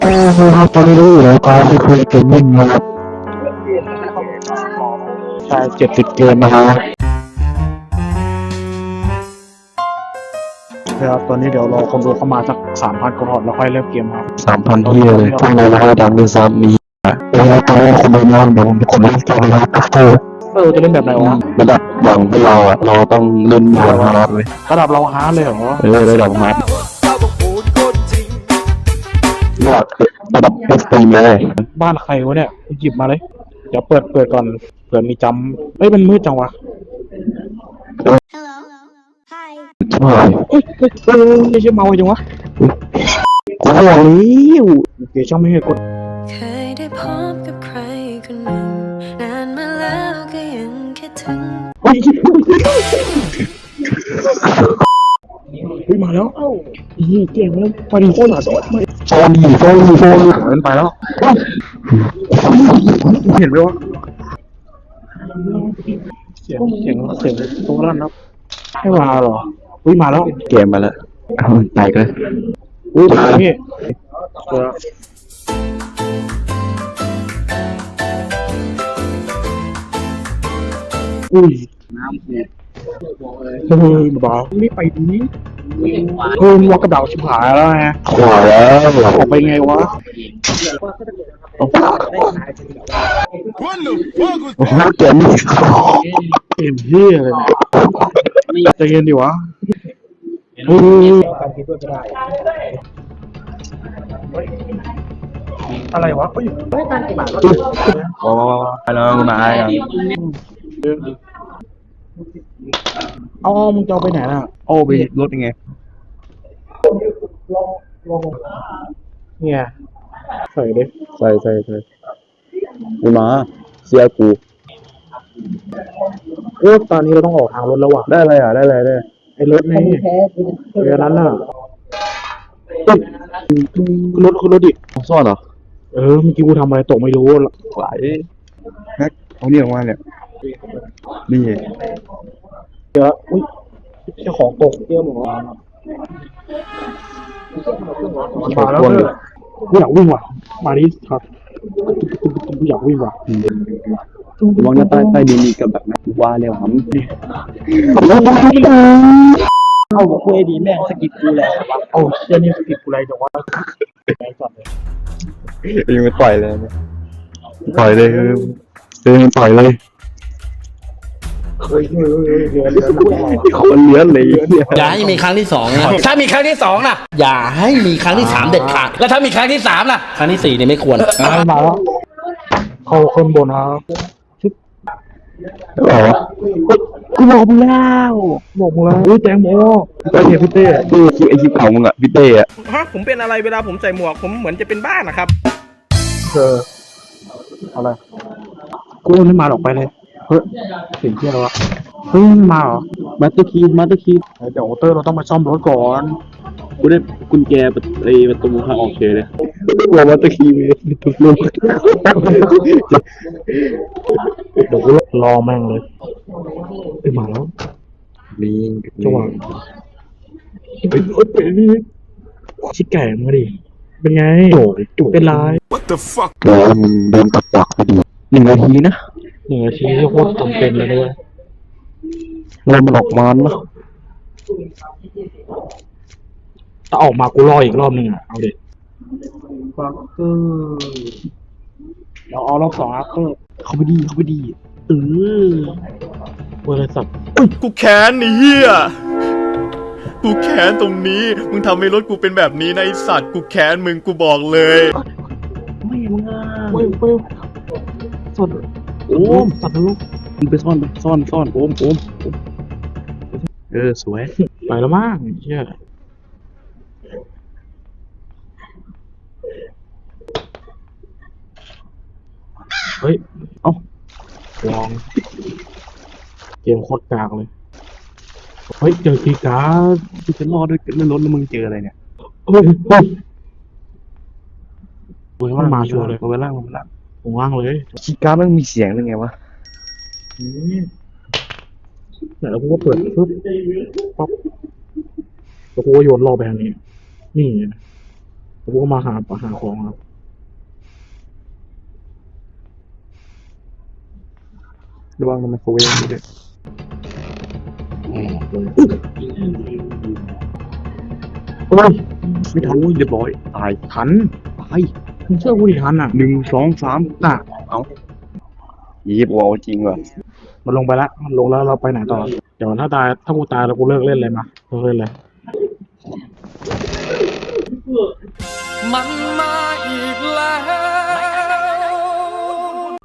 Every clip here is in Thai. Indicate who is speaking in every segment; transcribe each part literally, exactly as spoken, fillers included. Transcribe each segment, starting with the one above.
Speaker 1: เออครับตอนนี้รู้อยู่แล้วการที่คุยเกมมิ่งนะครับใช่เจ็ดสิบเกมนะฮะครับตอนนี้เดี๋ยวรอคนดูเข้ามาสักสามพันก่อนแล้วค่อยเริ่มเกมครับสามพันที่เลยพวกเราเราดังด้วยซ้ำมีเออตอนนี้คนดูน้อยเดี๋ยวผมเป็นคนเล่นเกมนะครับเออเออจะเล่นแบบไหนวะระดับอย่างพวกเราอ่ะเราต้องเล่นบนฮาร์ดเลยระดับเราฮาร์ดเลยเหรอเออระดับฮาร์ดระดับระดับเอ็กซ์ตรีมเลยบ้านใครวะเนี่ยหยิบมาเลยเดี๋ยวเปิดเปิดก่อนเผื่อมีจำเอ้ยมันมืดจังวะ
Speaker 2: Hello. Hi.
Speaker 1: ใช่เอ้ยเฮ้ยเฮ้ยเฮ้ยเมาจังวะกูบอกแล้วเดี๋ยวช่างไม่ให้กด
Speaker 2: เคยได้พบกับใครคนหนึ่งนานมาแล้วก็ยังคิดถึง
Speaker 1: เฮ้ยเฮ้ยมาแล้วเอ้าอีเก่งแล้วไปดิโคตรหนาสดโซนี่โซนี่โซนี่เห็นไปแล้วเห็นไหมวะเสียงเสียงเสียงตรงนั้นนะให้มาเหรอเฮ้ยมาแล้วเกมมาแล้วเอาไปเลยอุ้ยนี่อุ้ยน้ำเสียเฮ้ยบ้าไม่ไปดีเฮ้ยวักกระดาษชิบหายแล้วไงขวาแล้วออกไปไงวะโอ้โหเกมนี่เกมเฮียอะไรเนี่ยใจเย็นดิวะเฮ้ยอะไรวะเฮ้ยไม่ตันกี่บาทว้าวไปแล้วคุณนายเอามึงจะเอาไปไหนน่ะเอาไปรถยังไงเนี่ยใส่ดิใส่ใส่ใส่กูมาเชียร์กูโอ้ตอนนี้เราต้องออกทางรถแล้วว่ะได้เลยอ่ะได้เลยได้ไอ้รถนี่เรือนั้นน่ะรถคือรถดิซ่อนเหรอเออเมื่อกี้กูทำอะไรตกไม่รู้ไหลแฮกเอาเนี่ยออกมาเนี่ยนี่เดี๋ยวอุ้ยเจ้าของตกเตี้ยหมอมาแล้วเนี่ยกูอยากวิ่งว่ะมาดิครับกูอยากวิ่งว่ะมองหน้าใต้ใต้ดินมีกับแบบนั้นว่าเร็วหำเอาบอกกูไอ้ดีแม่งสกิปกูแล้วเอาเชี่ยนี่สกิปกูอะไรจังวะไหนก่อนเลยยังไม่ปล่อยเลยปล่อยเลยคือคือมันปล่อยเลยคนเลี้ยนเลย
Speaker 3: อย่าให้มีครั้งที่สองนะถ้ามีครั้งที่สองนะอย่าให้มีครั้งที่สามเด็ดขาดแล้วถ้ามีครั้งที่สามล่ะครั้งที่สี่เนี่ยไม่ควร
Speaker 1: มาแล้วเขาคนบนครับชิบอ๋อกูบอกมึงแล้วบอกมึงแล้วอุ้ยแจงโมไปเห็นพี่เต้ดูคิดไอคลิปเขามึงอ่ะพี่เต้อะ
Speaker 4: ฮะผมเป็นอะไรเวลาผมใส่หมวกผมเหมือนจะเป็นบ้านะครับ
Speaker 1: เอออะไรกูไม่มาหรอกไปเลยเฮ้ยเสียงเที่ยวแล้วเฮ้ยมาเหรอมาตอร์คีมาตอร์คีเดี๋ยวเตอร์เราต้องมาซ่อมรถก่อนกูได้กุญแจไอ้ประตูทางออกเฉยเลยว่ามาตอร์คีมีทุกลูกเดี๋ยวกูรอแม่งเลยไปมาแล้วนี่จังหวะไปรถไปนี่ชิคแก่มาดิเป็นไงโจ้จุเป็นไร
Speaker 5: What the fuck
Speaker 1: เดี๋ยวมันเดินตักตักไปดิหนึ่งนาทีนะหนึ่งนาทีที่โคตรจำเป็นเลยด้วยเรามันออกมาเนาะถ้าออกมากูรออีกรอบหนึ่งอ่ะเอาเด็ดฟักเกอร์เราเอารอบสองฟักเกอร์เขาไปดีเขาไปดีเออเวอร์สับ
Speaker 5: กูแค้นไอ้เหี้ยกูแค้นตรงนี้มึงทำให้รถกูเป็นแบบนี้นะไอ้สัตว์กูแค้นมึงกูบอกเลย
Speaker 1: ไม่มึงอ่ะไม่ไม่สดโอ้มสัตว์ลูกมึงไปซ่อนไปซ่อนซ่อนโอมโอมเออสวยไปแล้วมั้งเชี่ยเฮ้ยเอ้าลองเกมโคตรกากเลยเฮ้ยเจอคีย์การ์ดที่ฉันรอด้วยในรถแล้วมึงเจออะไรเนี่ยเฮ้ยเฮ้ยเว้ยมันมาชัวร์เลยมาล่างมาล่างผมว่างเลยคีย์การ์ดมันมีเสียงยังไงวะแล้วกูก็เปิดปึ๊บป๊อปแล้วกูก็โยนรอไปทางนี้นี่กูก็มาหาหาของครับระวังมันโคเวฟด้วยเฮ้ยไม่ทันเรียบร้อยตายทันตายมึงเชื่อกูดิทันอ่ะหนึ่งสองสามน่ะเอา
Speaker 6: ยีบวอลจริงว่ะ
Speaker 1: มันลงไปแล้วมันลงแล้วเราไปไหนต่อเดี๋ยวถ้าตายถ้ากูตายแล้วกูเลิกเล่นเลยมาเลิกเล่นเลย
Speaker 3: มันมาอีกแล้ว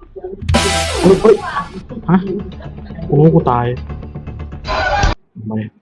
Speaker 1: เฮ้ยเฮ้ยฮะกูรู้กูตายทำไม